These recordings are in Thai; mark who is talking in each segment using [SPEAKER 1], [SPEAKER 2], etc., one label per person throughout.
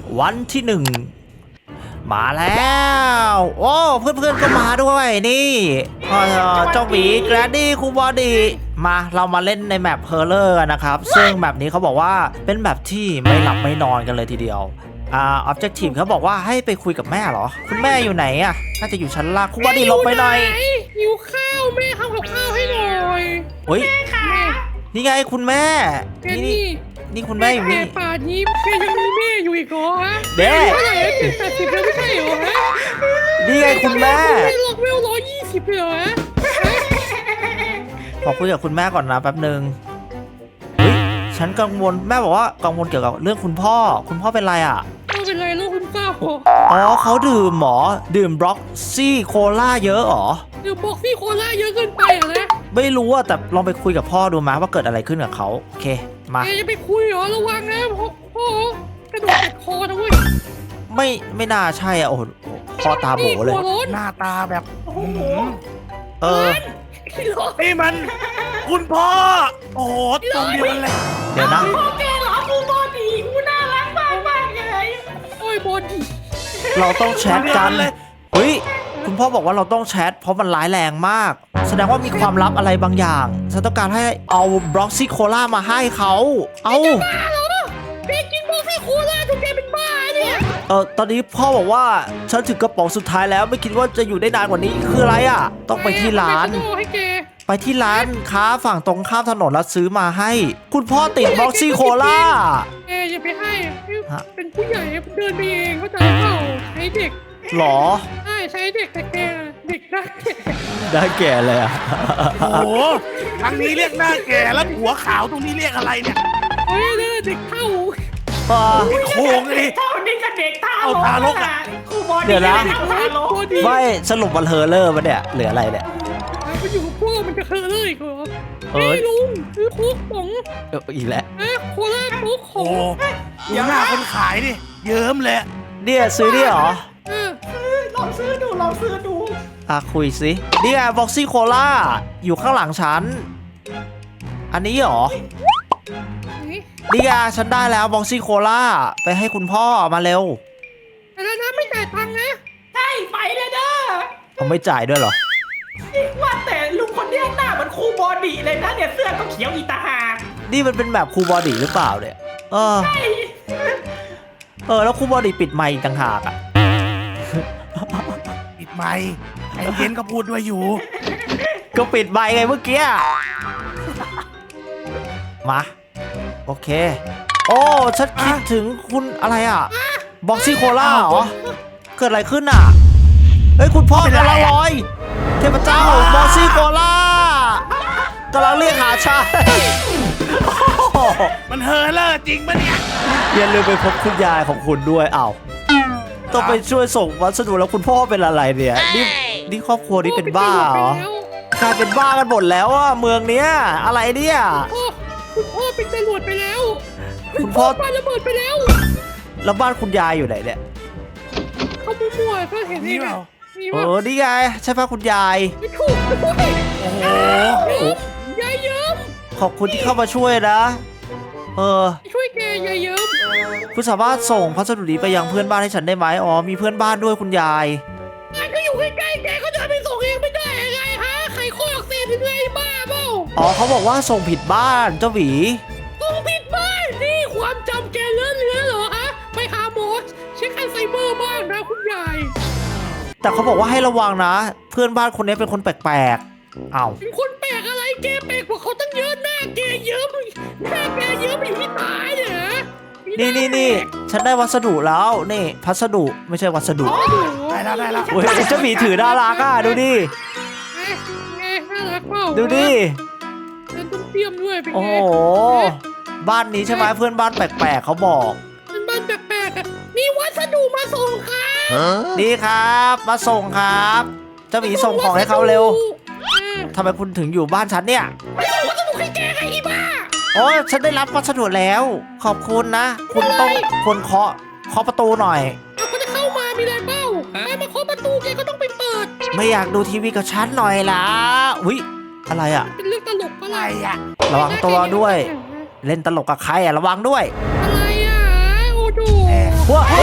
[SPEAKER 1] วันที่1มาแล้วโอ้เพื่อนๆก็มาด้วยนี่เจ้าหมีแกรนดี้คูบอดี้มาเรามาเล่นในแมปเพอร์เลอร์นะครับซึ่งแมปนี้เขาบอกว่าเป็นแมปที่ไม่หลับไม่นอนกันเลยทีเดียวobjective เขาบอกว่าให้ไปคุยกับแม่เหรอคุณแม่อยู่ไหนอะน่าจะอยู่ชั้นล่างคูบอดี้ลงไปหน่อย
[SPEAKER 2] หิวข้าวแม่ทำกับข้าวให้หน่อย
[SPEAKER 1] เฮ้ยนี่ไงคุณแม่นี่คุณแม่อยู่นี่
[SPEAKER 2] ป่านนี้แกยังมีแม่อยู่อีกเหรอฮะ
[SPEAKER 1] เด้
[SPEAKER 2] เท่าไหร่70แล้วไม่ใช่เหรอฮะ
[SPEAKER 1] นี่ไงคุณแม่
[SPEAKER 2] ไม่ล็อกเวล120เลยเหรอฮะ
[SPEAKER 1] ขอคุยกับคุณแม่ก่อนนะแป๊บนึงฉันกังวลแม่บอกว่ากังวลเกี่ยวกับเรื่องคุณพ่อเป็นไรอ่ะ
[SPEAKER 2] ไม่เป็นไรลูกคุณเศร้า
[SPEAKER 1] อ๋อเขาดื่มบล็อกซี่โคล่าเยอะหรอ
[SPEAKER 2] ดื่มบล็อกซี่โคล่าเยอะเกินไปเหรอนะ
[SPEAKER 1] ไม่รู้อะแต่ลองไปคุยกับพ่อดูมาว่าเกิดอะไรขึ้นกับเขาโอเคมา
[SPEAKER 2] จะไปคุยเหรอระวังนะพ่อกระโดดติดคอนะเว้ย
[SPEAKER 1] ไม่น่าใช่อะโอ้โหพ่อตาโบเลย
[SPEAKER 3] หน้าตาแบบ
[SPEAKER 2] นี่
[SPEAKER 3] มันคุณพ่อโอ้โหตรงเดียวกันเลย
[SPEAKER 1] เดี๋ยวนะ
[SPEAKER 2] พ่อแกเหรอกูบอดี้กูน่ารักมากเลยโอ้ยบอดี้
[SPEAKER 1] เราต้องแชทกันเฮ้ยคุณพ่อบอกว่าเราต้องแชทเพราะมันร้ายแรงมากแสดงว่ามีความลับอะไรบางอย่างฉันต้องการให้เอาบล็อกซี่โคล่ามาให้เขาเอา
[SPEAKER 2] บ้าเหรอแกกินบล็อกซี่โคล่าจนแกเป็นบ้าเนี่ย
[SPEAKER 1] ตอนนี้พ่อบอกว่าฉันถึงกระป๋องสุดท้ายแล้วไม่คิดว่าจะอยู่ได้นานกว่านี้คืออะไรอ่ะต้องไปที่ร้านค้าฝั่งตรงข้ามถนนแล้วซื้อมาให้คุณพ่อติดบล็อกซี่โคล่า
[SPEAKER 2] อย่าไปให้เป็นผู้ใหญ่เดินไปเองเขาจะเข้าใช้เด็ก
[SPEAKER 1] หรอ
[SPEAKER 2] ใช้เด็กแต่แกเด็ก
[SPEAKER 1] ได้แก่เลยอ่ะ
[SPEAKER 3] โอ้โหทางนี้เรียกหน้าแก่แล้วหัวขาวตรงนี้เรียกอะไรเนี่ย
[SPEAKER 2] เด็กเท่า
[SPEAKER 3] โค้งเลย
[SPEAKER 2] เท่านี้กับเด็กเท่า
[SPEAKER 3] ทารกอ่ะ
[SPEAKER 1] เดี๋ยวนะไม่สรุปมันเฮอร์เลอร์มันเนี่ยเหลืออะไรเนี่ย
[SPEAKER 2] มันอยู่กับพวกมันจะเฮอร์เลอร์อีกเหรอไม่ลุงซื้อโค้กป๋อง
[SPEAKER 1] อีกแล้ว
[SPEAKER 2] โคล่าโค้กของ
[SPEAKER 3] ดูหน้าคนขายดิเยิ้มเลย
[SPEAKER 1] เนี่ยซื้อดิเหรอ
[SPEAKER 2] ลองซื้อดู
[SPEAKER 1] คุยสินี่ไงบ็อกซี่โคล่าอยู่ข้างหลังฉันอันนี้เหรอนี่ไงฉันได้แล้วบ็อกซี่โคล่าไปให้คุณพ่อมาเร็ว
[SPEAKER 2] แล้วนะไม่จ่ายตังค์นะใช่ไปเลยเด้อ
[SPEAKER 1] เขาไม่จ่ายด้วยเหรอ
[SPEAKER 2] ว่าแต่ลุงคนนี้หน้าเหมือนครูบอดี้เลยนะเนี่ยเสื้อก็เขียวอีตาหาก
[SPEAKER 1] นี่มันเป็นแบบครูบอดี้หรือเปล่าเนี่ยแล้วครูบอดี้ปิดไมค์ต่างหากอ่ะ
[SPEAKER 3] ปิดไมค์ไอ้เย็นก็พูดด้วยอยู่
[SPEAKER 1] ก็ปิดไมค์ไงเมื่อกี้มาโอเคโอ้ฉันคิดถึงคุณอะไรอ่ะบ็อกซี่โคล่าเหรอเกิดอะไรขึ้นอ่ะเฮ้ยคุณพ่อกำลังลอยเทพเจ้าบ็อกซี่โคล่ากำลังเรียกหาชาย
[SPEAKER 3] มันเฮอร์เลอร์จริงปะเนี่ย
[SPEAKER 1] อย่าลืมไปพบคุณยายของคุณด้วยต้องไปช่วยส่งวัสดุแล้วคุณพ่อเป็นอะไรเนี่ยนี่ครอบครัวนี้เป็นบ้าเหรอกลายเป็นบ้ากันหมดแล้วอ่ะเมืองเนี้ยอะไรเนี่ย
[SPEAKER 2] คุณพ่อเป็นตำรวจไปแล้ว
[SPEAKER 1] คุณพ่อ
[SPEAKER 2] บ้านระเบิดไปแล้ว
[SPEAKER 1] แล้วบ้านคุณยายอยู่ไหนเนี่ย
[SPEAKER 2] เขามั่วๆก็เห็นนี่เปล่า
[SPEAKER 1] นี่ไงใช่ป่ะคุณยาย
[SPEAKER 2] ไม่ถูกด้วย
[SPEAKER 3] โอ้โห
[SPEAKER 2] ยายเยิ้ม
[SPEAKER 1] ขอบคุณที่เข้ามาช่วยนะ
[SPEAKER 2] ช่วยแกยายเยิ้ม
[SPEAKER 1] คุณสามารถส่งพัสดุนี้ไปยังเพื่อนบ้านให้ฉันได้ไหมมีเพื่อนบ้านด้วยคุณยาย
[SPEAKER 2] ก็อยู่ใกล้ๆแกก็จะไปส่งเองไม่ได้ยังไงฮะใครข้ออักเสบถึงไงบ้าเปล่า
[SPEAKER 1] เขาบอกว่าส่งผิดบ้านเจ้าหวี
[SPEAKER 2] ส่งผิดบ้านนี่ความจำแกเลื่อนเหรอฮะไปหาหมอเช็คอัลไซเมอร์บ้างนะคุณยาย
[SPEAKER 1] แต่เขาบอกว่าให้ระวังนะเพื่อนบ้านคนนี้เป็นคนแปลกๆ
[SPEAKER 2] เป็นคนแปลกอะไรแกแปลกกว่าเขาตั้งเยอะหน้าแกเยิ้มอยู่ที่ตายเหรอ
[SPEAKER 1] นี่ฉันได้วัสดุแล้วนี่พัสดุไม่ใช่วัสดุ
[SPEAKER 3] ได้แล้ว
[SPEAKER 1] โอ้ยเจ้าหมีถือน่ารักอ่ะดูดิ
[SPEAKER 2] น่ารักเปล่า
[SPEAKER 1] ดูดิ
[SPEAKER 2] ฉันต้องเตรียมด้วยเป็นไง
[SPEAKER 1] โอ้โหบ้านนี้ใช่ไหมเพื่อนบ้านแปลกๆเขาบอก
[SPEAKER 2] เพื่อนบ้านแปลกๆมีวัสดุมาส่งครับ
[SPEAKER 1] นี่ครับมาส่งครับเจ้าหมีส่งของให้เขาเร็วทำไมคุณถึงอยู่บ้านฉันเนี่ย
[SPEAKER 2] วัสดุให้แกไงอีบ้า
[SPEAKER 1] ฉันได้รับวัสดุแล้วขอบคุณนะคุณต้องคนเคาะประตูหน่อย
[SPEAKER 2] เขาจะเข้ามามีอะไรเปล่ามาเคาะประตูแกก็ต้องไปเปิด
[SPEAKER 1] ไม่อยากดูทีวีกับฉันหน่อยล่ะอุ๊ยอะไรอ่ะ
[SPEAKER 2] เป็นเรื่องตลกอะไร
[SPEAKER 1] อ่ะระวังตัวด้วยเล่นตลกกับใครอ่ะระวังด้วย
[SPEAKER 2] อะไรอ่ะโอ้โห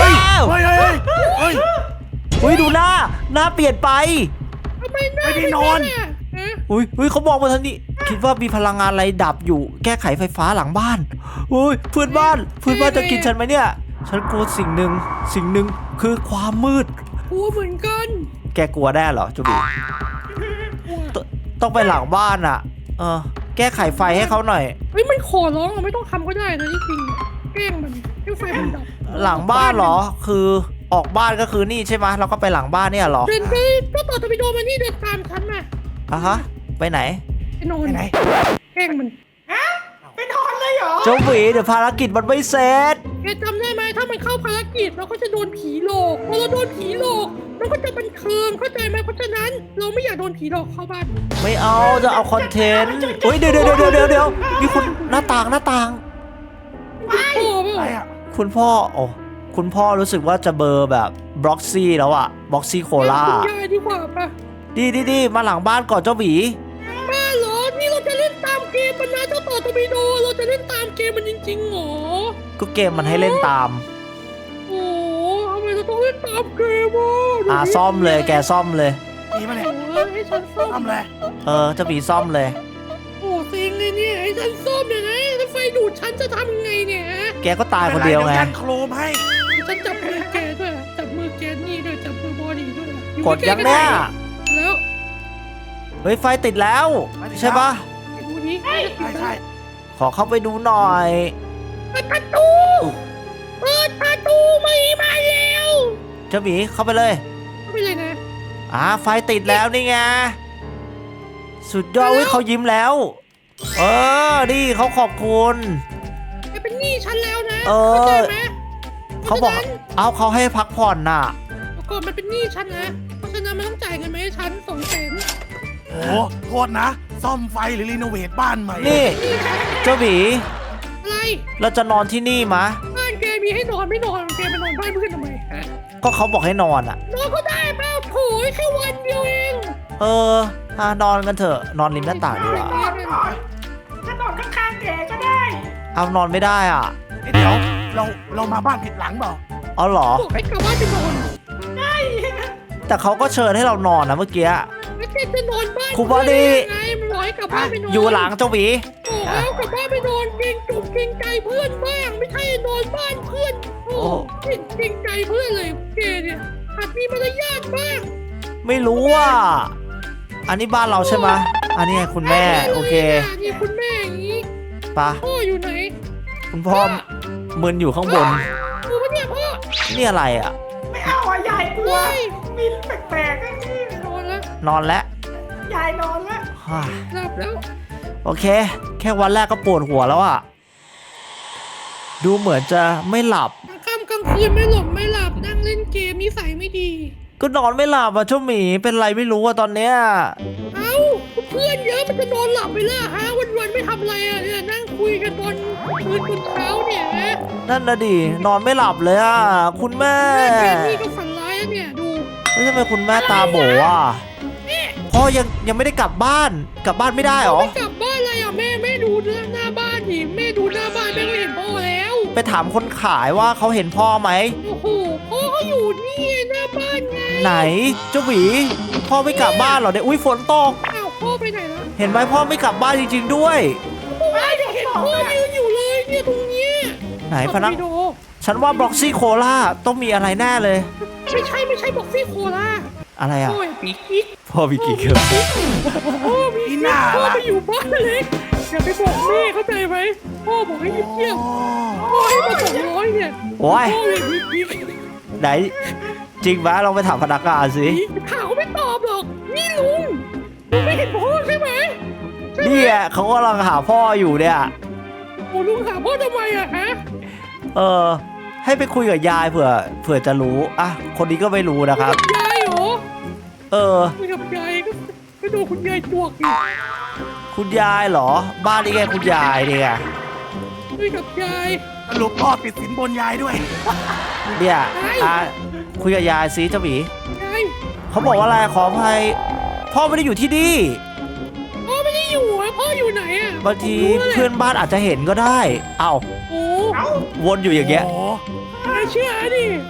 [SPEAKER 3] เฮ้ยเฮ้ยเฮ้ย
[SPEAKER 1] อุ้ยดูหน้าเปลี่ยนไป
[SPEAKER 2] ทำไมหน้า
[SPEAKER 3] ไม่ได้นอน
[SPEAKER 2] ฮะ
[SPEAKER 1] อุ้ยเขามองมาทางนี้คิดว่ามีพลังงานอะไรดับอยู่แก้ไขไฟฟ้าหลังบ้านอุ้ยเพื่อนบ้านจะกินฉันไหมเนี่ยฉันกลัวสิ่งหนึ่งคือความมืด
[SPEAKER 2] กลัวเหมือนกัน
[SPEAKER 1] แกกลัวได้เหรอจูบี
[SPEAKER 2] กลัว
[SPEAKER 1] ต้องไปหลังบ้านอ่ะแก้ไขไฟให้เขาหน่อย
[SPEAKER 2] เฮ้ยมันขอร้องอะไม่ต้องทำก็ได้นะที่จริงแกล้งมันให้ไฟมันดับ
[SPEAKER 1] หลังบ้านเหรอคือออกบ้านก็คือนี่ใช่ไหมเราก็ไปหลังบ้านเนี่ยเหรอ
[SPEAKER 2] เดินไปก็ต่อจะไปโดนมันนี่เดินตามฉันมา
[SPEAKER 1] อ่ะฮะไปไหน
[SPEAKER 2] ไปนอน
[SPEAKER 3] ไปไหน
[SPEAKER 2] แกล้งมัน
[SPEAKER 4] ไปนอนเลยเหรอ
[SPEAKER 1] เจ้าหวีเดี๋ยวภารกิจมันไม่เสร็จ
[SPEAKER 2] แกจำได้ไหมถ้ามันเข้าภารกิจเราก็จะโดนผีหลอกพอเราโดนผีหลอกเราก็จะบันเทิงเข้าใจไหมเพราะฉะนั้นเราไม่อยากโดนผีหลอกเข้าบ้าน
[SPEAKER 1] ไม่เอาจะเอาคอนเทนต์เฮ้ยเดี๋ยวมีคุณหน้าต่าง
[SPEAKER 2] โอ้เป
[SPEAKER 3] อะไร
[SPEAKER 2] ล่า
[SPEAKER 3] อ่ะ
[SPEAKER 1] คุณพ่อคุณพ่อรู้สึกว่าจะเบอร์แบบบล็อกซี่แล้วอะบล็อกซี่โคล่า
[SPEAKER 2] คุณยายดีกว่าปะ
[SPEAKER 1] ดีมาหลังบ้านก่อนเจ้าหวี
[SPEAKER 2] บ้าเหรอนี่เราจะเล่นตามเกมมันนะเจ้าต่อตบิโดเราจะเล่นตามเกมมันจริงๆเหรอ
[SPEAKER 1] ก็เกมมันให้เล่นตาม
[SPEAKER 2] โอ้ทำไมเราต้องเล่นตามเกมอ่ะ
[SPEAKER 1] ซ่อมเลยแกซ่อมเลย
[SPEAKER 3] ดีมาเนี่ย
[SPEAKER 2] โอ้ยให้ฉันซ่อม
[SPEAKER 3] ทำเลย
[SPEAKER 1] เจ้าหวีซ่อมเลย
[SPEAKER 2] โอ้เซ็งเลยเนี่ยให้ฉันซ่อมอย่างไงถ้าไฟดูดฉันจะทำยังไงเนี่ย
[SPEAKER 1] แกก็ตายคนเดียวไง
[SPEAKER 3] ยันโครมให้
[SPEAKER 2] ฉันจับมือแกด้วยจับมือแกนี่ด้วยจับมือบอดี้ด้วย
[SPEAKER 1] กดยังเนี่ย
[SPEAKER 2] แล้ว
[SPEAKER 1] เฮ้ยไฟติดแล้ว ใช่ปะ
[SPEAKER 2] ไปดูนี้
[SPEAKER 3] ใช่
[SPEAKER 1] ขอเข้าไปดูหน่อย
[SPEAKER 2] เปิดประตูเปิดประตูไม่มาแล้ว
[SPEAKER 1] เจ้าหวีเข้าไปเลย
[SPEAKER 2] ไม่เลยนะ
[SPEAKER 1] ไฟติดแล้วนี่ไงสุดยอดเว้ยเขายิ้มแล้ว นี่เขาขอบคุณ
[SPEAKER 2] แกเป็นหนี้ฉันแล้วนะ
[SPEAKER 1] เออ
[SPEAKER 2] เข้าใจไหม
[SPEAKER 1] เขาบอกเขาให้พักผ่อนน่ะ
[SPEAKER 2] ก่อนมันเป็นหนี้ฉันนะเพราะฉะนั้นมันต้องจ่ายเงินมาให้ฉัน200,000
[SPEAKER 3] โอ้โทษนะ ซ่อมไฟหรือรีโนเวทบ้านใหม่
[SPEAKER 1] นี่เจ้าหวี
[SPEAKER 2] อะไร
[SPEAKER 1] เราจะนอนที่นี่มะ
[SPEAKER 2] บ้านแกมีให้นอนไม่นอนแกไปนอนบ้านเพื่อนทำไมฮะ
[SPEAKER 1] ก็เขาบอกให้นอนอ่ะ
[SPEAKER 2] นอนก็ได้เปล่าโถยแค่วันเดียวเอง
[SPEAKER 1] นอนกันเถอะนอนริมหน้าต่างดีกว่า
[SPEAKER 4] ถ้านอนข้างๆแกก็ได้
[SPEAKER 1] เอานอนไม่ได้อ่ะ
[SPEAKER 3] เดี๋ยวเรามาบ้านผิดหลังเปล่า
[SPEAKER 1] เอาเหรอ
[SPEAKER 2] บอกให้กลับบ้านไปนอน
[SPEAKER 1] แต่เขาก็เชิญให้เรานอนนะเมื่อกี้
[SPEAKER 2] แล้วแกจะนอนบ้าน
[SPEAKER 1] ครูบอดี้
[SPEAKER 2] ไงมันบอกให้กลับบ้านไปนอน
[SPEAKER 1] อยู่หลังเจ้าหวี
[SPEAKER 2] โอ้เอากลับบ้านไปนอนเกรงจุกเกรงใจเพื่อนบ้างไม่ใช่นอนบ้านเพื่อนโอ้เกรงใจเพื่อนเลยแกเนี่ยหัดมีมารยาทบ้าง
[SPEAKER 1] ไม่รู้ว่า อันนี้บ้านเราใช่ไหมะอันนี้ไงคุณแม่โอเค
[SPEAKER 2] นี่คุณแม่อย่างนี้
[SPEAKER 1] ปะ
[SPEAKER 2] พ่ออยู่ไหน
[SPEAKER 1] คุณพ่อมึนอยู่ข้างบน
[SPEAKER 2] ดูปะเนี่ยพ่อ
[SPEAKER 1] นี่อะไรอ่ะ
[SPEAKER 4] ไม่เอาอ่ะยายกลัว
[SPEAKER 2] เฮ้ย
[SPEAKER 4] มินแปลกๆไอ้นี่
[SPEAKER 2] นอนแล้ว
[SPEAKER 1] นอนแล้ว
[SPEAKER 4] ยายนอนแล้ว
[SPEAKER 1] ฮ่า
[SPEAKER 2] หลับแล้ว
[SPEAKER 1] โอเค แค่วันแรกก็ปวดหัวแล้วอ่ะ ดูเหมือนจะไม่หลับ
[SPEAKER 2] กลางค่ำกลางคืนไม่หลับไม่หลับนั่งเล่นเกมนิสัยไม่ดี
[SPEAKER 1] ก็นอนไม่หลับอ่ะเจ้าหมีเป็นไรไม่รู้อ่ะตอนเนี้ย
[SPEAKER 2] เอ้าเพื่อนเยอะมันจะนอนหลับไปล่ะฮะวันๆไม่ทำอะไรอ่ะเนี่ยนั่งคุยกันตอนคืนจนเช้าเนี่ยฮะ
[SPEAKER 1] นั่นนะดินอนไม่หลับเลยอ่ะคุณแม่
[SPEAKER 2] แม่นี่ก็ฝันร้ายอะเนี่ยดู
[SPEAKER 1] แล้วทำไมคุณแม่ตาโบอ่ะพ่อยังไม่ได้กลับบ้านไม่ได้หรอ
[SPEAKER 2] ไม่กลับบ้านเลยอ่ะแม่ดูหน้าบ้านดิแม่ดูหน้าบ้านแม่ก็เห็นพ่อแล้ว
[SPEAKER 1] ไปถามคนขายว่าเขาเห็นพ่อไหม
[SPEAKER 2] โอ้โหพ่อเขาอยู่นี่ไงหน้าบ้านไง
[SPEAKER 1] ไหนเจ้าหวีพ่อไม่กลับบ้านเหรอเนี่ยอุ้ยฝนตก
[SPEAKER 2] อ้าวพ่อไปไหนแล้ว
[SPEAKER 1] เห็นไหมพ่อไม่กลับบ้านจริงๆด้วย
[SPEAKER 2] ไม่เห็นพ่อยืนอยู่เลยเนี่ยตรงเนี้ย
[SPEAKER 1] ไหนพนัก
[SPEAKER 2] วิดีโอ
[SPEAKER 1] ฉันว่าบล็อกซี่โคล่าต้องมีอะไรแน่เลย
[SPEAKER 2] ไม่ใช่บอกซี่โคล่า
[SPEAKER 1] อะไรอ่ะ
[SPEAKER 2] พ่อปีกิ๊ก
[SPEAKER 1] พ่อมีกี่เครื่อง
[SPEAKER 2] พ่อมีกิ๊กพ่อไปอยู่บ้านเล็กอย่าไปบอกแม่เข้าใจไหมพ่อบอกให้เงียบๆพ่อให้มา200เนี่ย
[SPEAKER 1] โอ้ย
[SPEAKER 2] พ่อเลยมีกิ๊ก
[SPEAKER 1] ไหนจริงไหมลองไปถามพนักงานสิ
[SPEAKER 2] ข่าวไม่ตอบหรอกนี่ลุงไม่เห็นพ่อใช่ไหม
[SPEAKER 1] เนี่ยเขากำลังหาพ่ออยู่เนี่ย
[SPEAKER 2] โอ้ลุงหาพ่อทำไมอะฮะ
[SPEAKER 1] ให้ไปคุยกับยายเผื่อจะรู้อ่ะคนนี้ก็ไม่รู้นะครับ
[SPEAKER 2] ยายเหรอ
[SPEAKER 1] อ
[SPEAKER 2] คุยกับยายก็โดนคุณยายจวกอีก
[SPEAKER 1] คุณยายเหรอ บ้านนี่ไงคุณยายเนี่ย
[SPEAKER 2] คุยกับยาย
[SPEAKER 3] สรุปพ่อติดสินบนยายด้วย
[SPEAKER 1] เนี่ยคุยกับยายสิเจ้าหมี
[SPEAKER 2] ยาย
[SPEAKER 1] เขาบอกว่าอะไรขออภัยพ่อไม่ได้อยู่ที่นี่
[SPEAKER 2] พ่อไม่ได้อยู่อะพ่ออยู่ไหนอะ
[SPEAKER 1] บางที
[SPEAKER 2] ผมรู้แหละ
[SPEAKER 1] เพื่อนบ้านอาจจะเห็นก็ได้ เอ้า
[SPEAKER 2] โอ้
[SPEAKER 4] เอ้า
[SPEAKER 1] วนอยู่อย่างเงี้ย
[SPEAKER 3] โอ้
[SPEAKER 2] ยายเชื่อดิ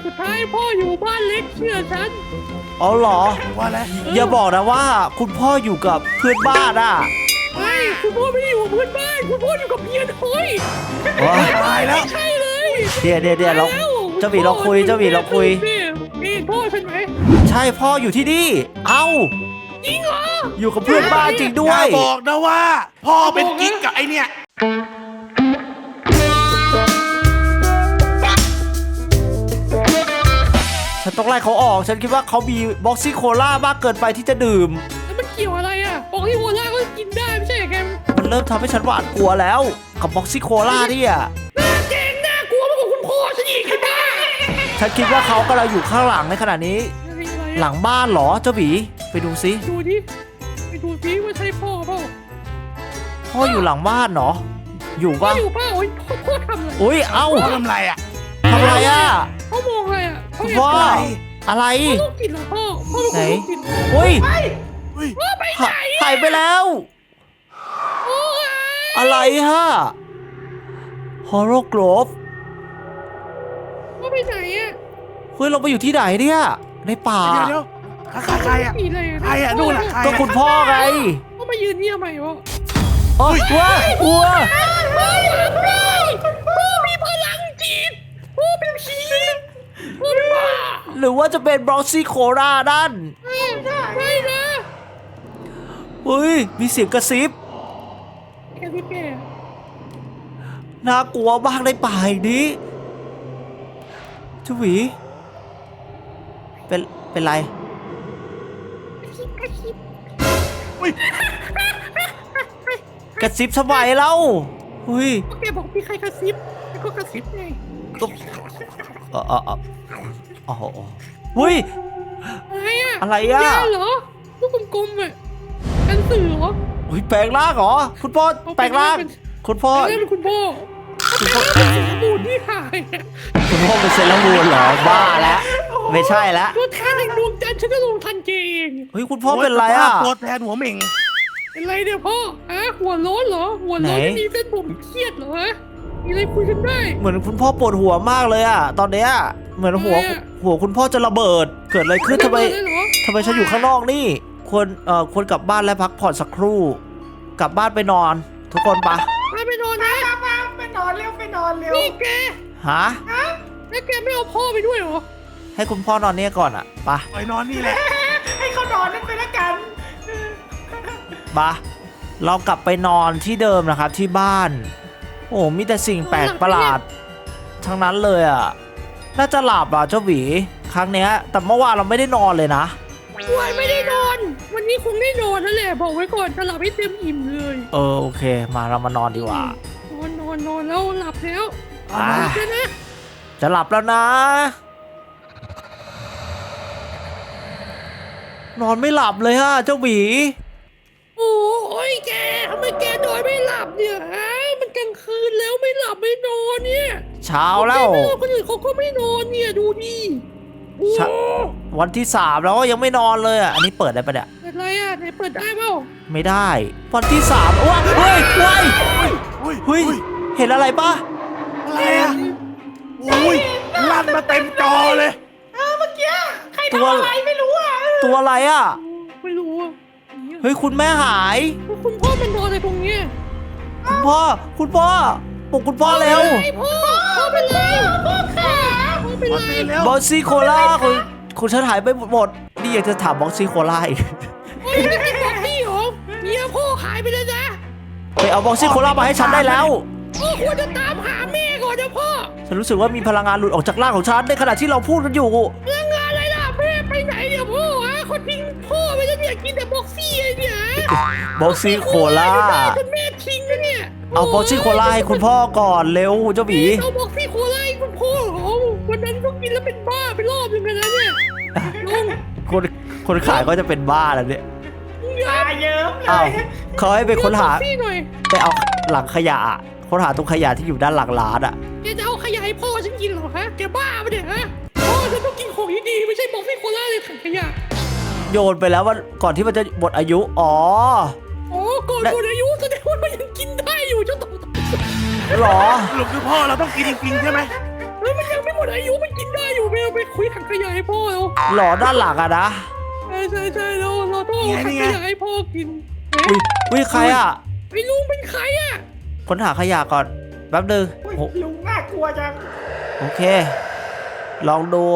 [SPEAKER 2] สุดท้ายพ่ออยู่บ้านเล็กเชื่อฉัน
[SPEAKER 1] เอาเหรอ
[SPEAKER 3] ว่าแล้ว
[SPEAKER 1] อย่าบอกนะว่าคุณพ่ออยู่กับเพื่อนบ้านอ่ะ
[SPEAKER 2] ไม่คุณพ่อไม่ได้อยู่กับเพื่อนบ้านคุณพ่ออยู่กับเมียน้อย
[SPEAKER 1] ว้า
[SPEAKER 3] ตายแล้ว
[SPEAKER 2] ไม่ใช่เลย
[SPEAKER 1] เดี๋ยวเราเจ้าหมีเราคุยเจ้าหมีเราคุย
[SPEAKER 2] นี่พ่อฉันไหม
[SPEAKER 1] ใช่พ่ออยู่ที่นี่ เอ้า
[SPEAKER 2] จริงเหรอ
[SPEAKER 1] อยู่กับเพื่อนบ้านจริงด้
[SPEAKER 3] อ
[SPEAKER 1] ว
[SPEAKER 3] ย่าย บอกนะว่า พ่อเป็นกิ๊กกับไอเนี่ย
[SPEAKER 1] ฉันต้องไล่เขาออก ฉันคิดว่าเขามีบ็อกซี่โคล่ามากเกินไปที่จะดื่ม
[SPEAKER 2] แล้วมันเกี่ยวอะไรอ่ะบอกที่โฮล่าก็กินได้ไม่ใช่เหรอแก
[SPEAKER 1] มันเริ่มทำให้ฉันหวาดกลัวแล้วกับบ็อกซี่โคล่าเนี่ย
[SPEAKER 2] หน้าแกงน่ากลัวมากกว่าคุณพ่อฉันอีกไอ้บ้า
[SPEAKER 1] ฉันคิดว่าเขากำลังอยู่ข้างหลังในขณะนี้
[SPEAKER 2] อะไรอะไร
[SPEAKER 1] หลังบ้านเหรอเจ้าหมีไปดูซิ
[SPEAKER 2] ดูดิไปดูสิว่าใช่พ่อเปล่า
[SPEAKER 1] พ่ออยู่หลังบ้านเหรอ อยู่
[SPEAKER 2] พ่อ
[SPEAKER 1] ปะ
[SPEAKER 2] อยู่เปล่าโอ้ยพ่อทำอะไร
[SPEAKER 1] อุ้ยเอ้า
[SPEAKER 3] พ่อทำไรอ่ะ
[SPEAKER 1] ทำอะไรอ่ะ
[SPEAKER 2] พ่อมองอะไรอ่ะ
[SPEAKER 1] คุณพ่อ
[SPEAKER 2] พ่อ
[SPEAKER 1] อะไร
[SPEAKER 2] ลูกกินเหรอพ่อพ่อเป็นคนลูกกิน
[SPEAKER 1] อุ้ย
[SPEAKER 3] เฮ้ย
[SPEAKER 2] พ่อไปไหน
[SPEAKER 1] หายไปแล้ว
[SPEAKER 2] โอ้ย
[SPEAKER 1] อะไรฮะฮอร์โรโกรฟ
[SPEAKER 2] พ่อไปไหนอ่ะ
[SPEAKER 1] เฮ้ยเราไปอยู่ที่ไหนเนี่ยในป่า
[SPEAKER 3] เดี๋ยวใครอ่ะ
[SPEAKER 2] หนีเลย
[SPEAKER 3] ใครอ่ะนู่นอ่ะใคร
[SPEAKER 1] ก็คุณพ่อไง
[SPEAKER 2] พ่อมายืนเนี่ยทำไมวะ
[SPEAKER 1] โอ้ยว้าวัว
[SPEAKER 2] พ่อมีพลังจิตพ่อเป็นผีพ่อเป็นบ้า
[SPEAKER 1] หรือว่าจะเป็นบล็อกซี่โครานั่น
[SPEAKER 2] ไม่นะ
[SPEAKER 1] เฮ้ยมีเสียงกระซิบ
[SPEAKER 2] แกที่แก
[SPEAKER 1] น่ากลัวมากในป่าแห่งนี้เจ้าหวีเป็นไร
[SPEAKER 2] กระชิบ
[SPEAKER 3] อุ้ย
[SPEAKER 1] กระซิบทำไมเล่าเฮ้ย
[SPEAKER 2] แกบอกมีใครกระซิบแล้วก็กระซิบไง
[SPEAKER 1] ก็โอ้โหเฮ้ย
[SPEAKER 2] อะไรอ่ะ
[SPEAKER 1] อะไรอ่ะ
[SPEAKER 2] ยาเหรอลูกกลมๆอ่ะกันสื่อเหรอ
[SPEAKER 1] เฮ้ยแปลงร่างเหรอคุณพ่อแปลงร่างคุณพ่อ
[SPEAKER 2] แม่เป็นคุณพ่อเป็นสมบูรณ์ที่หายอะ
[SPEAKER 1] คุณพ่อเป็นเซเลอร์มูนเหรอบ้าแล้วไม่ใช่แล้ว
[SPEAKER 2] ตัวแทนแห่งดวงจันทร์ฉันจะลงทันเกเอง
[SPEAKER 1] เฮ้ยคุณพ่อเป็นไรอ่ะ
[SPEAKER 3] ตัวแทนหัวเหม่ง
[SPEAKER 2] เป็นไรเนี่ยพ่อฮะหัวโล้นเหรอหัวโล้น
[SPEAKER 1] ไหน
[SPEAKER 2] ไม่มีเส้นผมเครียดเหรอฮะมีอะไรคุยกันได้
[SPEAKER 1] เหมือนคุณพ่อปวดหัวมากเลยอ่ะตอนเนี้ยเหมือนหัว
[SPEAKER 2] ทำไมอะ
[SPEAKER 1] หัวคุณพ่อจะระเบิด เกิดอะไรขึ้นทำไม
[SPEAKER 2] ด้เหรอ
[SPEAKER 1] ทำไมฉันอยู่ข้างนอกนี่ควรกลับบ้านและพักผ่อนสักครู่ กลับบ้านไปนอน ทุกคนปะ
[SPEAKER 2] ไปนอนนะ
[SPEAKER 4] ไปนอนเร็วไปนอนเร็ว
[SPEAKER 2] นี่แก
[SPEAKER 1] ฮะ
[SPEAKER 2] แล้วแกไม่เอาพ่อไปด้วยเหรอ
[SPEAKER 1] ให้คุณพ่อนอนเนี่ยก่อนอ่ะปะ
[SPEAKER 3] ไปนอนนี่แหละ
[SPEAKER 4] ให้เขานอนนั่นไปละกัน
[SPEAKER 1] ปะเรากลับไปนอนที่เดิมนะครับที่บ้าน โอ้มีแต่สิ่งแปลกประหลาด ทั้งนั้นเลยอ่ะน่าจะหลับอ่ะเจ้าหวีครั้งเนี้ย แต่เมื่อวานเราไม่ได้นอนเลยนะ
[SPEAKER 2] วันไม่ได้นอน วันนี้คงได้นอนนั่นแหละบอกไว้ก่อนจะหลับให้เต็มอิ่มเลย
[SPEAKER 1] โอเค มาเรามานอนดีกว่า
[SPEAKER 2] นอนแล้วหลับแล้ว
[SPEAKER 1] อ่า
[SPEAKER 2] หลับแล้วนะ
[SPEAKER 1] จะหลับแล้วนะ นอนไม่หลับเลยฮะเจ้าหวี
[SPEAKER 2] โอ้ยแกทำไมแกนอนไม่หลับเนี่ยฮะมันกลางคืนแล้วไม่หลับไม่นอนเนี่ย
[SPEAKER 1] เช้าแล้ว
[SPEAKER 2] แกไม่นอนคนอื่นเขาก็ไม่นอนเนี่ยดูดิโอ้
[SPEAKER 1] เช้า วันที่3แล้วยังไม่นอนเลยอ่ะอันนี้เปิดได้ปะเนี่ย
[SPEAKER 2] เปิดอะไรอ่ะไหนเปิดได้เปล่า
[SPEAKER 1] ไม่ได้ วันที่3ว้าเฮ้ยเฮ้ย
[SPEAKER 3] อุ้ย
[SPEAKER 1] เฮ้ยเห็นอะไรปะ
[SPEAKER 3] อะไรอ่ะอุ้ยลั่นมาเต็มจอเลย
[SPEAKER 4] เมื่อกี้ใครทำอะไรไม่รู้อ่ะ
[SPEAKER 1] ตัวอะไรอ่ะ
[SPEAKER 2] ไม่รู้อ่ะเนี่ย
[SPEAKER 1] เฮ้ยคุณแม่หาย
[SPEAKER 2] คุณพ่อมันนอนอะไรตรงเนี้ย
[SPEAKER 1] คุณพ่อปลุกคุณพ่อเร็ว
[SPEAKER 2] ไอพ่อเป็นไรพ่อขาพ่อเป็น
[SPEAKER 3] มัน
[SPEAKER 2] ไร
[SPEAKER 3] ไปแล้ว
[SPEAKER 1] บอสซี่โคล่าคุณฉันหายไปหมดนี่อยากจะถามบอสซี่โคล่าอีก
[SPEAKER 2] พ่อยังไม่บอกพี่หรอเมียพ่อหายไปแล้วนะ
[SPEAKER 1] ไปเอาบอสซี่โคล่ามาให้ฉันได้แล้ว
[SPEAKER 2] พ่อควรจะตามหาแม่ก่อนนะพ่อ
[SPEAKER 1] ฉันรู้สึกว่ามีพลังงานหลุดออกจากร่างของฉันในขณะที่เราพูดกันอยู่
[SPEAKER 2] เรื่องงานอะไรล่ะแม่ไปไหนเนี่ยพ่อฮะคนทิ้งพ่อไปแล้วเนี่ยกินแต่บ็อกซี่ไอ้เนี่ย
[SPEAKER 1] บอสซี่โคล่า
[SPEAKER 2] จนแม่ทิ้งนะเนี่ย
[SPEAKER 1] เอาบอสซี่โคล่าให้คุณพ่อก่อนเร็วเจ้าหมี
[SPEAKER 2] เอาบ็อกซี่โคล่าให้คุณพ่อเหรอวันนั้นก็กินแล้วเป็นบ้าไปรอบนึงเลยนะเนี่ยลุง
[SPEAKER 1] คนขายก็จะเป็นบ้าแล้วเนี่ย
[SPEAKER 4] ตาเยิ้มเล
[SPEAKER 1] อ้าวย เขาให้ไปค้นหา
[SPEAKER 2] บ็อกซี่หน่อย
[SPEAKER 1] ไปเอาหลังขยะอะค้นหาตรงขยะที่อยู่ด้านหลังร้านอ่ะ
[SPEAKER 2] แกจะเอาขยะให้พ่อฉันกินเหรอฮะแกบ้าปะเนี่ยฮะพ่อฉันต้องกินของดีๆไม่ใช่บ็อกซี่โคล่าเลยถังขยะ
[SPEAKER 1] โยนไปแล้วว่าก่อนที่มันจะหมดอายุอ๋อ
[SPEAKER 2] อ๋อก่อนหมดอายุแสดงว่ามันยังกินได้อยู่เจ้าต่อ
[SPEAKER 1] หรอ
[SPEAKER 3] สรุปคือพ่อเราต้องกินจริงๆใช่ไหม
[SPEAKER 2] เฮ้ยมันยังไม่หมดอายุมันกินได้อยู่ไม่เอาไปคุยถังขยะให้พ่อเรา
[SPEAKER 1] หลอด้านหลังอะนะ
[SPEAKER 2] ใช่เราต้องเอาถังขยะให้พ่อกิน
[SPEAKER 1] อุ้ยใครอะ
[SPEAKER 2] ไอ้ลุงเป็นใครอ่ะ
[SPEAKER 1] ค้นหาขยะก่อนแป๊บนึง
[SPEAKER 4] อุ๊ย
[SPEAKER 1] โอ้
[SPEAKER 4] ลุงน่ากลัวจัง
[SPEAKER 1] โอเค ลองดู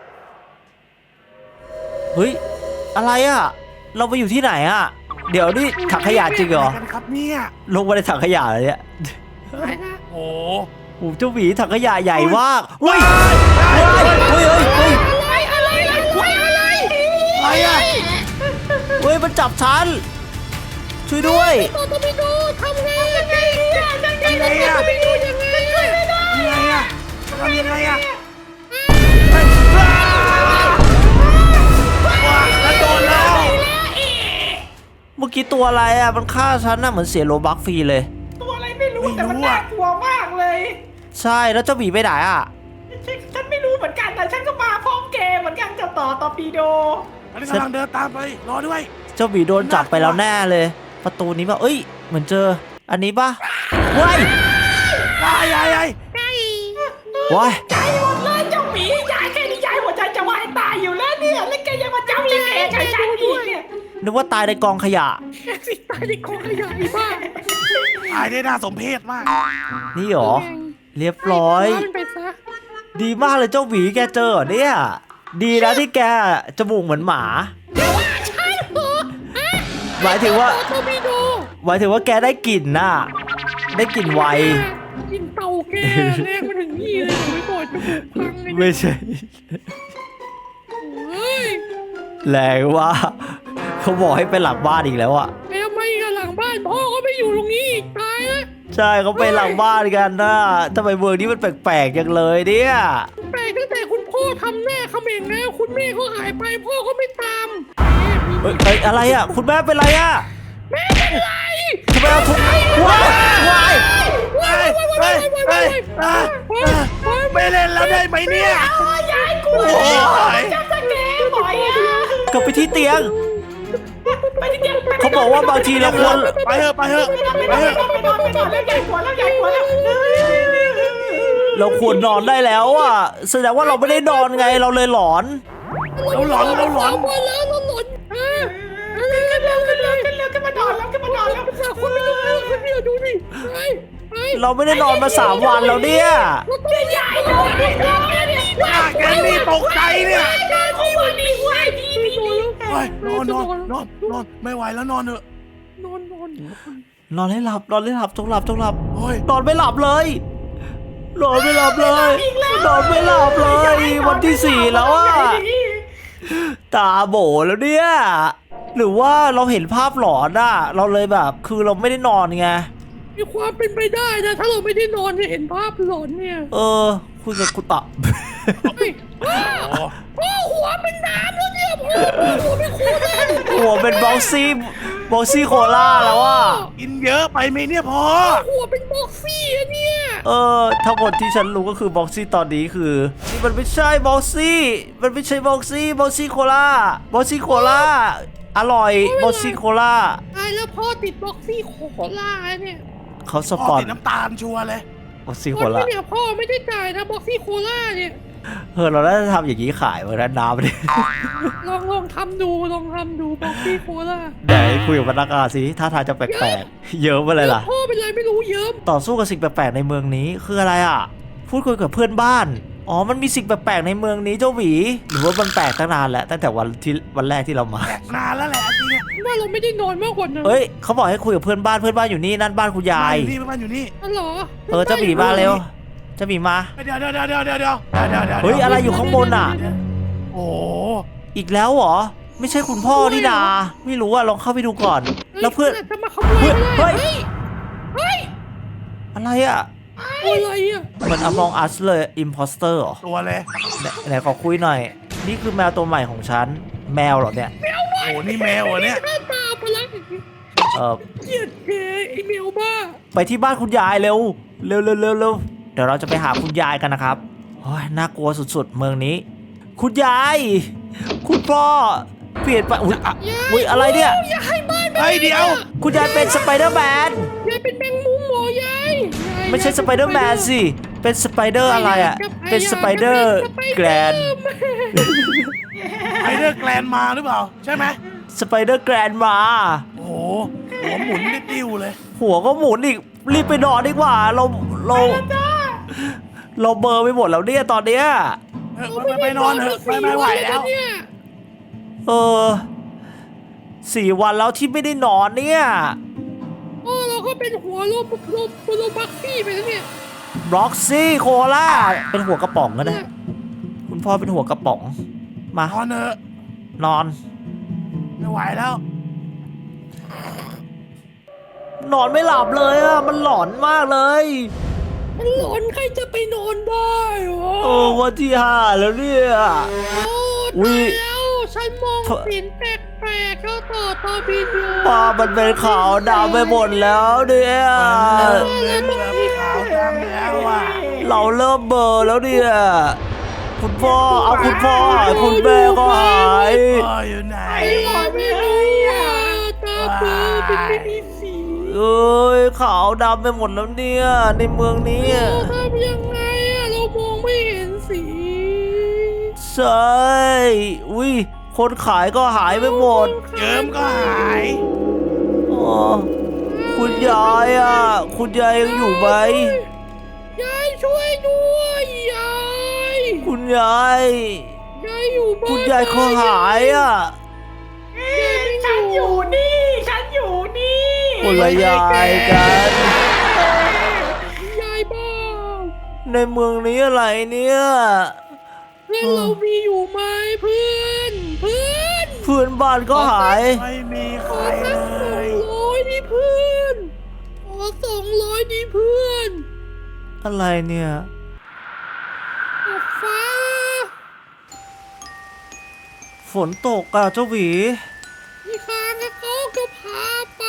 [SPEAKER 1] เฮ้ยอะไรอะเราไปอยู่ที่ไหนอะเดี๋ยวนี่ถังขยะจริงเหรอ
[SPEAKER 3] อะไรกันครับเนี่ย
[SPEAKER 1] ลงมาในถังขยะเลยเนี่ย
[SPEAKER 2] อะไรนะ
[SPEAKER 3] โอ้
[SPEAKER 1] โอ้เจ้าหมีถังขยะใหญ่มากเฮ้ยเฮ้ย
[SPEAKER 3] อะไรอะ
[SPEAKER 1] เฮ้ยมันจับฉันช่วยด้วย
[SPEAKER 2] ต่อตบิโดทำไงยังไง
[SPEAKER 3] ยังไงอะ
[SPEAKER 2] ตบิโดยังไง
[SPEAKER 3] ยังไงอะทำยังไงอะว้าแล้วโดนแล้ว
[SPEAKER 1] เมื่อกี้ตัวอะไรอะมันฆ่าฉันน่ะเหมือนเสียโลบักฟรีเลย
[SPEAKER 4] ตัวอะไรไม่รู้แต่มันน่ากลัวมากเลย
[SPEAKER 1] ใช่แล้วเจ้าหมีไปไหนอะ
[SPEAKER 4] ฉันไม่รู้เหมือนกันแต่ฉันก็มาพร้อมเกมเหมือนกันกับต่อตอร์ปิโด
[SPEAKER 3] อันนี้กำลังเดินตามไปรอด้วย
[SPEAKER 1] เจ้าหมีโดนจับไปแล้วแน่เลย ประตูนี้ป่ะเอ้ยเหมือนเจออันนี้ป่ะว้าย
[SPEAKER 3] ยาย
[SPEAKER 1] ว้าย
[SPEAKER 4] ใจหมดเลยเจ้าหมียายแค่นี้ยายหัวใจจะวายตายอยู่แล้วเนี่ยแล้วแกยังมาจับจะแกใช้ฉันอีกเนี่ย
[SPEAKER 1] นึกว่าตายในกองขยะ
[SPEAKER 2] แกสิตายในกองขยะอีบ้า
[SPEAKER 3] ตายได้น่าสมเพชมาก
[SPEAKER 1] นี่หรอเรียบร้อย
[SPEAKER 2] มันไปซะ
[SPEAKER 1] ดีมากเลยเจ้าหมีแกเจอเหรอเนี่ยดีนะที่แกจมูกเหมือนหมา
[SPEAKER 2] ใช่เหรอ
[SPEAKER 1] หมายถึงว่า
[SPEAKER 2] ตบิโด
[SPEAKER 1] หมายถึงว่าแกได้กลิ่นน่ะได้กลิ่นไว
[SPEAKER 2] กินเตาแกแรงมาถึงนี่เลยเดี๋ยวไปก่อนจะบุกพังเลย
[SPEAKER 1] ไม่ใช่
[SPEAKER 2] เฮ้ย
[SPEAKER 1] แรงว่าเขาบอกให้ไปหลังบ้านอีกแล้วอะ
[SPEAKER 2] แม่ไม่กันหลังบ้านพ่อก็ไม่อยู่ตรงนี้อีกตายแล้ว
[SPEAKER 1] ใช่เขาไปหลังบ้านกันนะทำไมเมืองนี้มันแปลกๆจังเลยเนี่ย
[SPEAKER 2] แปลกตั้งแต่คุณพ่อทำแน่เขม่งแล้วคุณแม่ก็หายไปพ่อก็ไม่ตาม
[SPEAKER 1] เฮ้ยอะไรอะคุณแม่เป็นไรอะ
[SPEAKER 2] แม่เป็นไร
[SPEAKER 1] ทำไมเอาทุกว้ายว้าย
[SPEAKER 3] ไม่เล่นแล้วได้ไหมเนี่ย
[SPEAKER 4] ยายกลัว
[SPEAKER 3] โอ้ย
[SPEAKER 4] จับสแกนบ่อยอ่ะ
[SPEAKER 1] กลับไปที่เตียง
[SPEAKER 4] ไปที่เตียง
[SPEAKER 1] เขาบอกว่าบางทีเราควร
[SPEAKER 3] ไปเถอะไปเถอะ
[SPEAKER 4] ไปนอนแล้วยายกลัวแล้ว
[SPEAKER 1] เราควรนอนได้แล้วอ่ะแสดงว่าเราไม่ได้นอนไงเราเลยหลอน
[SPEAKER 3] เราหลอน
[SPEAKER 2] วันแล้วเราหลอน
[SPEAKER 4] ขึ้นมานอนแล้ว
[SPEAKER 2] คนไม่รู้เรื่องคนเดียวดูดิไป
[SPEAKER 1] เราไม่ได้นอนมา3 วันแล้วเนี่ย
[SPEAKER 2] เราต้องใหญ่เลย
[SPEAKER 3] แกนี่ตกใจเนี่ย
[SPEAKER 4] ที่วันนี้ไหวดี
[SPEAKER 3] เฮ้ยนอนไม่ไหวแล้วนอนเถอะ
[SPEAKER 2] นอน
[SPEAKER 1] นอนให้หลับจงหลับ
[SPEAKER 3] โอ้ย
[SPEAKER 1] นอนไม่หลับเลยนอนไม่หลับเลยนอนไม่หลับเลยวันที่ 4แล้วอ่ะตาโบแล้วเนี่ยหรือว่าเราเห็นภาพหลอนอ่ะเราเลยแบบคือเราไม่ได้นอนไง
[SPEAKER 2] มีความเป็นไปได้นะถ้าเราไม่ได้นอนจะเห็นภาพหลอนเนี่ย
[SPEAKER 1] คุยกับกุตะ
[SPEAKER 2] พ่อหัวเป็นน้ำแล้วเนี่ยพ่อหัวเป็นโคตร
[SPEAKER 1] หัวเป็นบ็อกซี่โคล่าแล้วอ่ะ
[SPEAKER 3] กินเยอะไปไหมเนี่ยพอ
[SPEAKER 2] หัวเป็นบ็อกซี่อะเนี่ย
[SPEAKER 1] ทั้งหมดที่ฉันรู้ก็คือบ็อกซี่ตอนนี้คือนี่มันไม่ใช่บ็อกซี่โคล่าอร่อยบ็อกซี่โคล่า
[SPEAKER 2] ตายแล้วพ่อติดบ็อกซี่โคล่าเนี่ย
[SPEAKER 1] เขาส
[SPEAKER 3] พ่
[SPEAKER 1] ป
[SPEAKER 3] อ
[SPEAKER 1] อน
[SPEAKER 3] ติดน้ำตาลชัวร์เลย
[SPEAKER 1] บ็อกซี่โค
[SPEAKER 2] คน
[SPEAKER 1] ล่า
[SPEAKER 2] ไม่เนี่ยพ่อไม่ได้จ่ายนะบ็อกซี่โคล่าเนี่ย
[SPEAKER 1] เราน่าจะทำอย่างนี้ขายเหมือนกันน้ำเนี่ย
[SPEAKER 2] ลองทำดูบ็อกซี่โคล่า
[SPEAKER 1] ไหนคุยกับพนักงานสิท่าทางจะแปลกๆเยอะไปเลยล่ะ
[SPEAKER 2] พ่อเป็นไรไม่รู้เยิ้ม
[SPEAKER 1] ต่อสู้กับสิ่งแปลกๆในเมืองนี้คืออะไรอ่ะพูดคุยกับเพื่อนบ้านอ๋อมันมีสิ่งแปลกๆในเมืองนี้เจ้าหวีหรือว่ามันแปลกตั้งนานแล้วตั้งแต่วันแรกที่เรามา
[SPEAKER 3] แตกนานแล้วแหละจริงเนี่ย
[SPEAKER 2] ว่าเราไม่ได้นอนมากกว่านั้น
[SPEAKER 1] เอ้ยเขาบอกให้คุยกับเพื่อนบ้านอยู่นี่นั่นบ้านคุณยาย
[SPEAKER 3] บ้านอยู่นี่
[SPEAKER 2] อ๋อเหรอ
[SPEAKER 1] เจ้าหมีมาเร็วเจ้าหมีมา
[SPEAKER 3] เดี๋ยว
[SPEAKER 1] เฮ้ยอะไรอยู่ข้างบนอ่ะ
[SPEAKER 3] โอ้
[SPEAKER 1] อีกแล้วเหรอไม่ใช่คุณพ่อนี่นาไม่รู้อ่ะลองเข้าไปดูก่อน แล้วเพื่อน
[SPEAKER 2] จะมาขโมย
[SPEAKER 1] เฮ้ย
[SPEAKER 2] เฮ้ย
[SPEAKER 1] อะไรอ่ะ
[SPEAKER 2] อะไรอ่ะ
[SPEAKER 1] เหมือน Among Us เลย Imposter เหรอ
[SPEAKER 3] ตัวเลย
[SPEAKER 1] ไหนขอคุยหน่อย นี่คือแมวตัวใหม่ของฉันแมวเหรอเนี่ย
[SPEAKER 3] โอ้นี่แมวเหรอเนี่ย
[SPEAKER 2] หน้าตาพลังอย่างนี้
[SPEAKER 1] เ
[SPEAKER 2] เกลียดแกไอ้เมลบ้า
[SPEAKER 1] ไปที่บ้านคุณยายเร็วเดี๋ยวเราจะไปหาคุณยายกันนะครับโอ้ยน่ากลัวสุดๆเมืองนี้ คุณยาย คุณพ่อเปลี่ยนไปอุ๊ยอะไรเนี่ย
[SPEAKER 2] อย่าให้บ้าน
[SPEAKER 3] เฮ้ยเดี๋ยว
[SPEAKER 1] คุณยายเป็นสไปเดอร์แมน
[SPEAKER 2] ยายเป็นแมงมุมหมอยาย
[SPEAKER 1] ไม่ใช่สไปเดอร์แมนสิเป็นสไปเดอร์อะไรอ่ะเป็นสไปเดอร์แกรน
[SPEAKER 3] ไอเดอร์แกลนมาหรือเปล่าใช่ไหม
[SPEAKER 1] สไปเดอร์แกรนมา
[SPEAKER 3] โอ้โหหัวหมุนได้ติ้วเลย
[SPEAKER 1] หัวก็หมุนอีกรีบไปนอนดีกว่าเราเบลอร์ไปหมดแล้วเนี่ยตอนเนี้ย
[SPEAKER 3] ไปนอนเถอะไม่ไหวแล้ว
[SPEAKER 2] เนี่ย
[SPEAKER 1] เออ4 วันแล้วที่ไม่ได้นอนเนี่ย
[SPEAKER 2] เราก็เป็นหัวโลบักซี่ไปแล้วเนี่ย
[SPEAKER 1] บล็อกซี่โคล่าเป็นหัวกระป๋องก็ได้คุณพ่อเป็นหัวกระป๋องมาน
[SPEAKER 3] อนเถอะ
[SPEAKER 1] นอน
[SPEAKER 3] ไม่ไหวแล้ว
[SPEAKER 1] นอนไม่หลับเลยอ่ะมันหลอนมากเลย
[SPEAKER 2] มันหลอนใครจะไปนอนได้วะ
[SPEAKER 1] วันที่5แล้วเนี่ย
[SPEAKER 2] โอ้
[SPEAKER 1] อุ๊
[SPEAKER 2] ตาย ยแล้วฉันมองเห็นแปลกๆแล้วต่อตาบินอยู่
[SPEAKER 1] ป้ามันเป็นขาวดำไปหมดแล้วเนี่ย
[SPEAKER 3] เป็นแบบขาวดำแล้วอ่ะ
[SPEAKER 1] เราเริ่มเบลอแล้วเนี่ยคุณพ่อเอาคุณพ่อหายคุณแม่ก็หาย
[SPEAKER 3] พ่ออยู่ไหน
[SPEAKER 2] ไอ้หลอนไม่รู้อ่ะตาเบลอเป็นไม่มีสี
[SPEAKER 1] เอ้ยขาวดำไปหมดแล้วเนี่ยในเมืองนี้
[SPEAKER 2] เราทำยังไงอ่ะเรามองไม่เห็นสี
[SPEAKER 1] ใช่อุ้ยคนขายก็หายไปหมด
[SPEAKER 3] เยิ้มก็หาย
[SPEAKER 1] อ๋อคุณยายอ่ะคุณยายยังอยู่ไหม
[SPEAKER 2] ยายช่วยด้วยยาย
[SPEAKER 1] คุณยาย
[SPEAKER 2] ยายอยู่บ้าน
[SPEAKER 1] คุณยายเขาหายอ่ะ
[SPEAKER 4] ฉันอยู่นี่ฉันอยู่นี่
[SPEAKER 1] คนละยายกัน
[SPEAKER 2] ยายบ้า
[SPEAKER 1] ในเมืองนี้อะไรเนี่ย
[SPEAKER 2] เพื่อนเรามีอยู่ไหมเพื่อน
[SPEAKER 1] เพื่อนบ้านก็หาย
[SPEAKER 3] ไม่มีใค
[SPEAKER 2] ข
[SPEAKER 3] ร
[SPEAKER 2] อสัก
[SPEAKER 3] เลย
[SPEAKER 2] 200ดิเพื่อนขอ200ดิเพื่อน
[SPEAKER 1] อะไรเนี่ย
[SPEAKER 2] ออกฟ้า
[SPEAKER 1] ฝนตกอ่ะเจ้าหวี
[SPEAKER 2] อีกครั้งเขาก็พาไป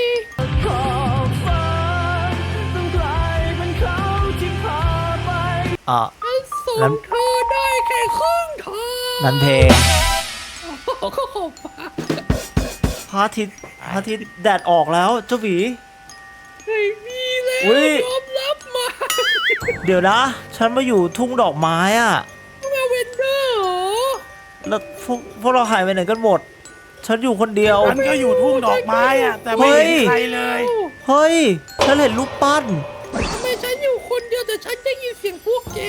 [SPEAKER 1] อ่ะ
[SPEAKER 2] ฉันส่
[SPEAKER 1] นั้
[SPEAKER 2] ง
[SPEAKER 1] น
[SPEAKER 2] เธอได้แค่ครึ่งทาง
[SPEAKER 1] นันเพลง
[SPEAKER 2] ก็ขอบฟ้า
[SPEAKER 1] พระอาทิตย์แดดออกแล้วเจ้าหวี
[SPEAKER 2] ไม่มีแล้ว
[SPEAKER 1] อุ๊ย
[SPEAKER 2] ยอมรับมา
[SPEAKER 1] เดี๋ยวนะ ฉันมาอยู่ทุ่งดอกไม้อ่ะ
[SPEAKER 2] มาเวนเดอร์เหรอ
[SPEAKER 1] แล้วพวกเราหายไปไหนกันหมด ฉันอยู่คนเดียว
[SPEAKER 3] ฉันก็อยู่ทุ่งดอกไม้อ่ะ แต่ไม่เห็นใครเลย
[SPEAKER 1] เฮ้ย ฉันเห็นรูปปั้น
[SPEAKER 2] ทำไมฉันอยู่คนเดียวแต่ฉันได้ยินเสียงพวกแก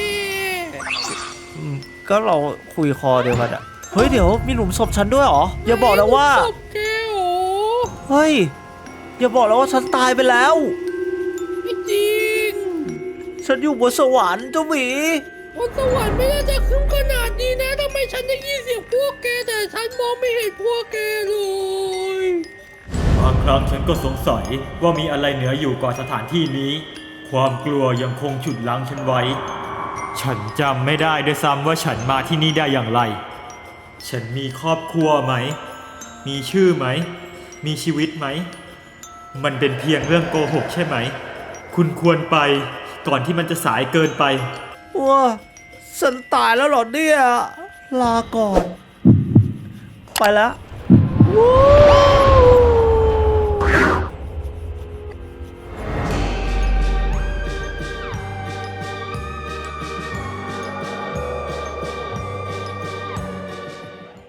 [SPEAKER 1] ก็เราคุยคอเดียวกันอะเฮ้ยเดี๋ยวมีหลุมศพฉันด้วยเหรอ อย่าบอกนะว่า
[SPEAKER 2] ศพแกเหรอ
[SPEAKER 1] เฮ้ย อย่าบอกนะว่าฉันตายไปแล้ว
[SPEAKER 2] ไม่จริง
[SPEAKER 1] ฉันอยู่บนสวรรค์เจ้าหมี
[SPEAKER 2] บนสวรรค์ไม่น่าจะขึ้นขนาดนี้นะทำไมฉันได้ยินเสียงพวกแกแต่ฉันมองไม่เห็นพวกแกเลย
[SPEAKER 5] บางครั้งฉันก็สงสัยว่ามีอะไรเหนืออยู่ก่อนสถานที่นี้ ความกลัวยังคงฉุดรั้งฉันไว้ ฉันจำไม่ได้ด้วยซ้ำว่าฉันมาที่นี่ได้อย่างไร ฉันมีครอบครัวไหม มีชื่อไหม มีชีวิตไหม มันเป็นเพียงเรื่องโกหกใช่ไหม คุณควรไปก่อนที่มันจะสายเกินไป
[SPEAKER 1] ว้าฉันตายแล้วเหรอเนี่ย ลาก่อน ไปแล้ว